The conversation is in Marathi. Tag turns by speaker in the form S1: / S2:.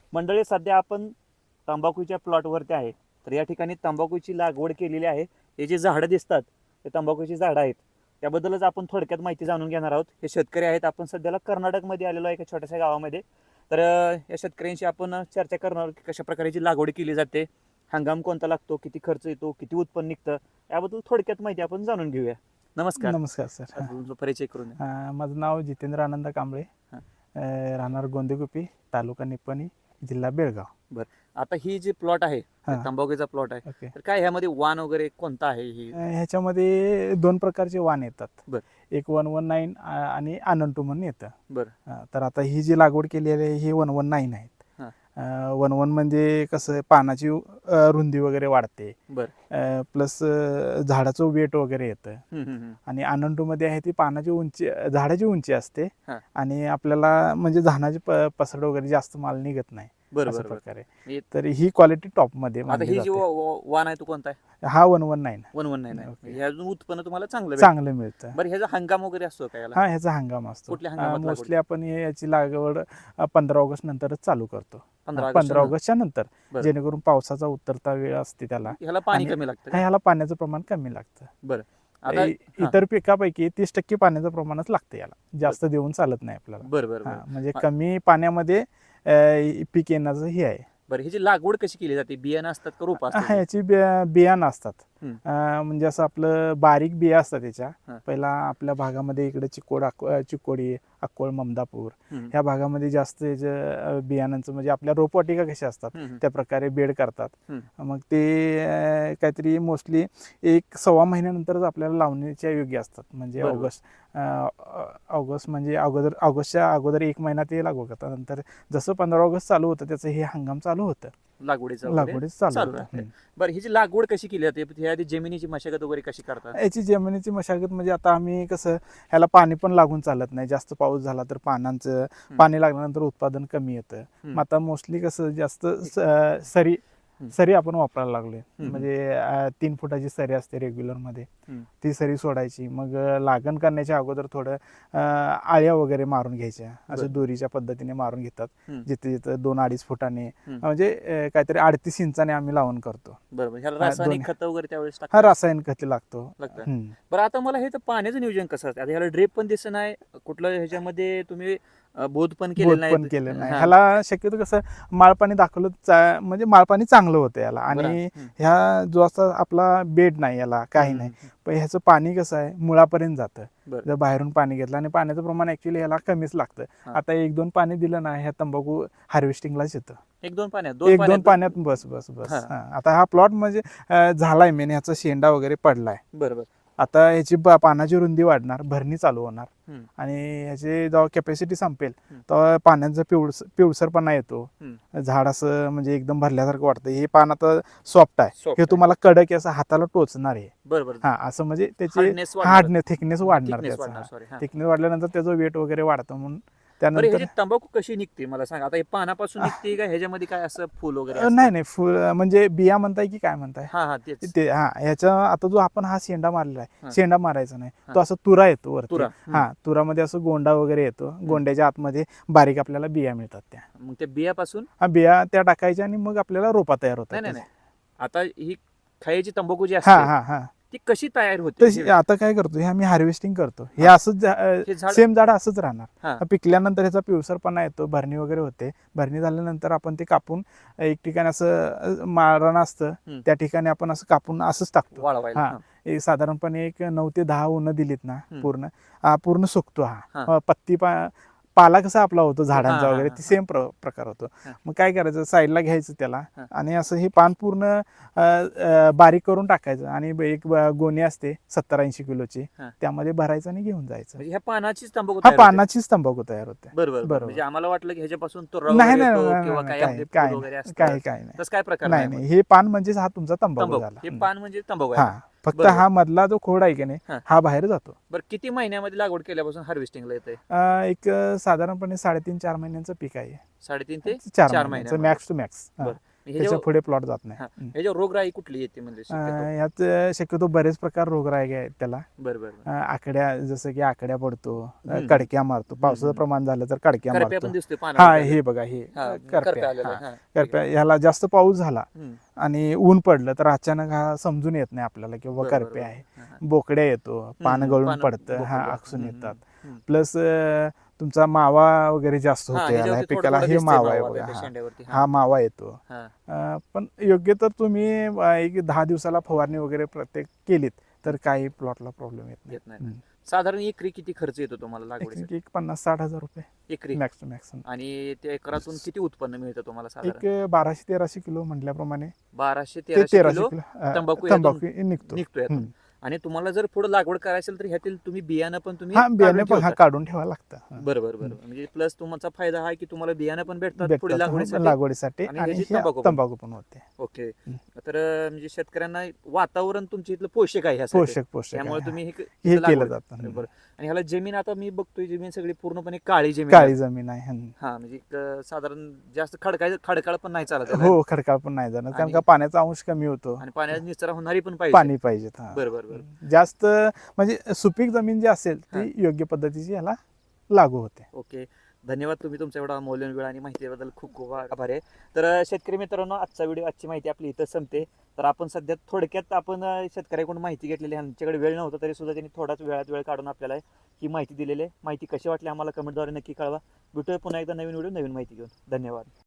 S1: मंडळी, सध्या आपण तंबाखूच्या प्लॉटवरती आहे. तर या ठिकाणी तंबाखूची लागवड केलेली आहे. हे जे झाडं दिसतात ते तंबाखूची झाडं आहेत. त्याबद्दलच आपण थोडक्यात माहिती जाणून घेणार आहोत. हे शेतकरी आहेत. आपण सध्याला कर्नाटकमध्ये आलेलो आहे, एका छोट्याशा गावामध्ये. तर या शेतकऱ्यांशी आपण चर्चा करणार आहोत की कशा प्रकारची लागवड केली जाते, हंगाम कोणता लागतो, किती खर्च येतो, किती उत्पन्न निघतं, याबद्दल थोडक्यात माहिती आपण जाणून घेऊया. नमस्कार.
S2: नमस्कार सर.
S1: तुमचा परिचय करून द्या.
S2: माझं नाव जितेंद्र आनंद कांबळे,
S1: हां.
S2: राहणार गोंदेगुपी, तालुका निपाणी, जिल्हा बेळगाव.
S1: बरं, आता ही जी प्लॉट आहे,
S2: हां.
S1: तंबाखूचा प्लॉट आहे,
S2: ओके.
S1: तर काय ह्यामध्ये वाण वगैरे कोणता आहे ही?
S2: ह्याच्यामध्ये 2 प्रकारचे वाण येतात.
S1: बरं.
S2: एक 119 आणि आनंद म्हणून येतं.
S1: बरं.
S2: तर आता ही जी लागवड केलेली आहे ही 119 आहेत.
S1: हां.
S2: 119 म्हणजे कसं पानाची रुंदी वगैरे वाढते,
S1: बरं.
S2: प्लस झाडाचं वेट वगैरे येतं. आणि आनंदमध्ये आहे ती पानाची उंची, झाडाची उंची असते
S1: हां.
S2: आणि आपल्याला म्हणजे धानाची पसरड वगैरे जास्त माल निघत नाही
S1: बरं
S2: अशा
S1: बरं बरं.
S2: प्रकारे. तर ही क्वालिटी टॉप मध्ये
S1: आता
S2: मानली
S1: ही जी
S2: जाते.
S1: वाण आहे तो कोणता आहे?
S2: हा 119
S1: 119 आहे.
S2: ओके.
S1: ह्यातून उत्पन्न तुम्हाला चांगलं भेटतं.
S2: चांगलं मिळतं.
S1: बरं, ह्याचा हंगाम वगैरे असतो का याला?
S2: हा, ह्याचा हंगाम असतो.
S1: कुठल्या हंगामात लागवड?
S2: मोस्टली आपण याची लागवड 15 ऑगस्ट नंतरच चालू करतो.
S1: 15
S2: 15 ऑगस्टच्या नंतर,
S1: बरं.
S2: जेणेकरून पावसाचा उतरता वेळ असते त्याला.
S1: ह्याला पाणी
S2: आणि
S1: कमी लागतं का?
S2: ह्याला पाण्याचं प्रमाण कमी लागतं.
S1: बरं. आता
S2: इतर पिकापैकी 30% पाण्याचं प्रमाणच लागतं याला, जास्त देऊन चालत नाही आपल्याला.
S1: बरं बरं बरं.
S2: म्हणजे कमी पाण्यामध्ये पीक येण्याचं हे आहे.
S1: बरं, ह्याची लागवड कशी केली जाते? बियाणं असतात का रोप असतात?
S2: ह्याची बियाणं असतात.
S1: हं.
S2: म्हणजे असं आपलं बारीक बिया असतात त्याच्या.
S1: हां.
S2: पहिला आपल्या भागामध्ये इकडे चिकोडी, अक्कोळ, ममदापूर
S1: हं.
S2: ह्या भागामध्ये जास्त याच्या बियाणांचं म्हणजे आपल्या रोपवाटिका कशा असतात
S1: हं.
S2: त्या प्रकारे बेड करतात.
S1: हं.
S2: मग ते काहीतरी मोस्टली 1-1.25 महिन्यानंतरच आपल्याला लावणीच्या योग्य असतात. म्हणजे
S1: बरोबर.
S2: ऑगस्ट म्हणजे ऑगस्टच्या अगोदर 1 महिना ते लागवड करतात. नंतर जसं 15 ऑगस्ट चालू होतं त्याचं हे हंगाम चालू होतं.
S1: लागवडीचं
S2: चालू
S1: चालू
S2: होतं.
S1: राहते. बरं, ह्याची लागवड कशी केली जाते? ह्याआधी जमिनीची मशागत वगैरे कशी करतात?
S2: याची जमिनीची मशागत म्हणजे आता आम्ही कसं, ह्याला पाणी पण लागून चालत नाही. जास्त पाऊस झाला तर पाणी लागल्यानंतर उत्पादन कमी येतं. मग आता मोस्टली कसं जास्त सरी आपण वापरायला लागलोय. म्हणजे 3 फुटाची सरी असते रेग्युलर मध्ये, ती सरी सोडायची. मग लागण करण्याच्या अगोदर थोडं आळ्या वगैरे मारून घ्यायच्या, असं दोरीच्या पद्धतीने मारून घेतात. जिथे जिथे 2-2.5 फुटाने, म्हणजे काहीतरी 38 इंचाने आम्ही लावून करतो.
S1: बरोबर. ह्याला रासायनिक खत वगैरे त्यावेळेस
S2: हा, रासायनिक खत लागतो.
S1: बरं, आता मला हे तर पाण्याचं नियोजन कसं असतं? आता ह्याला ड्रेप पण दिसत नाही, कुठलं ह्याच्यामध्ये तुम्ही बोध पण केलेलं
S2: नाही. ह्याला शक्यतो कसं माळपाणी दाखवलं म्हणजे माळपाणी चांगलं होतं याला. आणि ह्या जो असा आपला बेड नाही, याला काही नाही. पण ह्याचं पाणी कसं आहे, मुळापर्यंत जातं. जर बाहेरून पाणी घेतलं, आणि पाण्याचं प्रमाण ऍक्च्युली ह्याला कमीच लागतं. आता 1-2 पाणी दिलं ना, ह्या तंबाखू हार्वेस्टिंगलाच येतं.
S1: 1-2 पाण्यात?
S2: 1-2 पाण्यात बस. आता हा प्लॉट म्हणजे झालाय मेन, ह्याचा शेंडा वगैरे पडलाय.
S1: बरोबर.
S2: आता ह्याची पानाची रुंदी वाढणार, भरणी चालू होणार. आणि ह्याची जेव्हा कॅपॅसिटी संपेल तेव्हा पाण्याचा पिवळसरपणा येतो. झाड असं म्हणजे एकदम भरल्यासारखं वाटतं. हे पान आता सॉफ्ट आहे, हे तुम्हाला कडक असं हाताला टोचणार आहे.
S1: बरोबर.
S2: हा, असं म्हणजे त्याची थिकनेस वाढणार. थिकनेस वाढल्यानंतर त्याचं वेट वगैरे वाढतं. म्हणून त्यानंतर
S1: तंबाखू कशी निघते मला सांगा. आता हे पानापासून निघते का ह्याच्यामध्ये काय असं फुल वगैरे?
S2: नाही, फुल म्हणजे बिया म्हणताय की काय म्हणताय?
S1: ते
S2: ह्याचा आता जो आपण हा शेंडा मारलेला आहे, शेंडा मारायचा नाही, तो असं तुरा येतो वरती. तुरामध्ये असं गोंडा वगैरे येतो. गोंड्याच्या आतमध्ये बारीक आपल्याला बिया मिळतात. त्या
S1: मग त्या बियापासून
S2: बिया त्या टाकायच्या आणि मग आपल्याला रोपा तयार होतात.
S1: नाही, आता ही खायची तंबाखू जी असते ती कशी तयार होते?
S2: आता काय करतो, हे आम्ही हार्वेस्टिंग करतो. हे असंच सेम झाड असंच राहणार. पिकल्यानंतर ह्याचा पिवसरपणा येतो, भरणी वगैरे होते. भरणी झाल्यानंतर आपण ते कापून एक ठिकाणी असं मारण असतं, त्या ठिकाणी आपण असं कापून असंच टाकतो. साधारणपणे एक 9 ते 10 उन्ह दिलीत ना, पूर्ण सुकतो. हा पत्ती पाला कसा आपला होतो झाडांचा वगैरे, ती सेम प्रकार होतो. मग काय करायचं, साईडला घ्यायचं त्याला आणि असं हे पान पूर्ण बारीक करून टाकायचं. आणि एक गोणी असते 70-80 किलोची, त्यामध्ये भरायचं आणि घेऊन जायचं.
S1: ह्या पानाचीच तंबाखू?
S2: हा, पानाचीच तंबाखू तयार होते.
S1: बरोबर. म्हणजे आम्हाला वाटलं की ह्याच्यापासून
S2: नाही, काय प्रकार नाही. हे पान म्हणजे हा तुमचा तंबाखू झाला.
S1: हे पान म्हणजे तंबाखू?
S2: फक्त हा मधला जो खोड आहे की नाही, हा बाहेर जातो.
S1: बरं, किती महिन्यामध्ये लागवड केल्यापासून हार्वेस्टिंगला येते?
S2: एक साधारणपणे 3.5-4 महिन्यांचं पीक आहे.
S1: 3.5 ते
S2: 4 महिन्याचं मॅक्स टू मॅक्स. त्याच्या पुढे प्लॉट जात नाही.
S1: ह्याच्यावर रोगराई कुठली येते म्हणजे
S2: यात शक्यतो बरेच प्रकार रोगराई आहेत त्याला.
S1: बरोबर.
S2: आकड्या, जसं की आकड्या पडतो, कडक्या मारतो, पावसाचं प्रमाण झालं तर कडक्या मारतो.
S1: हा
S2: हे बघा, हे करप्या, ह्याला जास्त पाऊस झाला आणि ऊन पडलं तर अचानक हा समजून येत नाही आपल्याला की बाबा करप्या आहे. बोकड्या येतो, पान गळून पडतं, आकसून येतात. प्लस तुमचा मावा वगैरे जास्त होतो याला पिकाला. हे मावा आहे बघा, हा मावा येतो. पण योग्य तर तुम्ही एक 10 दिवसाला फवारणी वगैरे प्रत्येक केलीत तर काही प्लॉटला प्रॉब्लेम येत नाही.
S1: साधारण एकरी किती खर्च येतो तुम्हाला लागवडीसाठी?
S2: एक 50-60 हजार रुपये
S1: एकरी
S2: मॅक्सिमम.
S1: आणि त्या एकरातून किती उत्पन्न मिळतं तुम्हाला साधारण?
S2: एक 1200-1300 किलो म्हटल्याप्रमाणे
S1: 1200-1300 किलो तंबाखू
S2: निघतोय.
S1: आणि तुम्हाला जर पुढे लागवड करायची असेल तर ह्यातील तुम्ही बियाणं पण तुम्ही
S2: बियाणे पण काढून ठेवावं लागतं.
S1: बरोबर. म्हणजे प्लस तुमचा फायदा हा की तुम्हाला बियाणं पण भेटतात पुढे
S2: लागवडीसाठी आणि तंबाखू पण होते.
S1: ओके. तर म्हणजे शेतकऱ्यांना वातावरण तुमच्या इथलं पोषक आहे,
S2: पोषक
S1: त्यामुळे तुम्ही
S2: हे केलं जातं.
S1: बरोबर. आणि ह्याला जमीन, आता मी बघतोय जमीन सगळी पूर्णपणे काळी जमीन
S2: आहे.
S1: हा, म्हणजे साधारण जास्त खडकाळ पण नाही चालत.
S2: हो, खडकाळ पण नाही जाणार, कारण का पाण्याचा अंश कमी होतो
S1: आणि पाण्याचा निचरा होणारी पण
S2: पाणी पाहिजे.
S1: बरोबर.
S2: जास्त म्हणजे सुपीक जमीन जी असेल ती योग्य पद्धतीची याला लागू होते.
S1: ओके, धन्यवाद. तुम्ही तुमचा एवढा मौल्यवान वेळ आणि माहितीबद्दल खूप खूप आभार आहे. तर शेतकरी मित्रांनो, आजची माहिती आपली इथं संपते. तर आपण सध्या थोडक्यात आपण शेतकऱ्याकडून माहिती घेतलेली आहे. आमच्याकडे वेळ नव्हता तरी सुद्धा त्यांनी थोडाच वेळ काढून आपल्याला ही माहिती दिलेली आहे. माहिती कशी वाटली आम्हाला कमेंटद्वारे नक्की कळवा. भेटूया पुन्हा एकदा नवीन व्हिडिओ, नवीन माहिती घेऊन. धन्यवाद.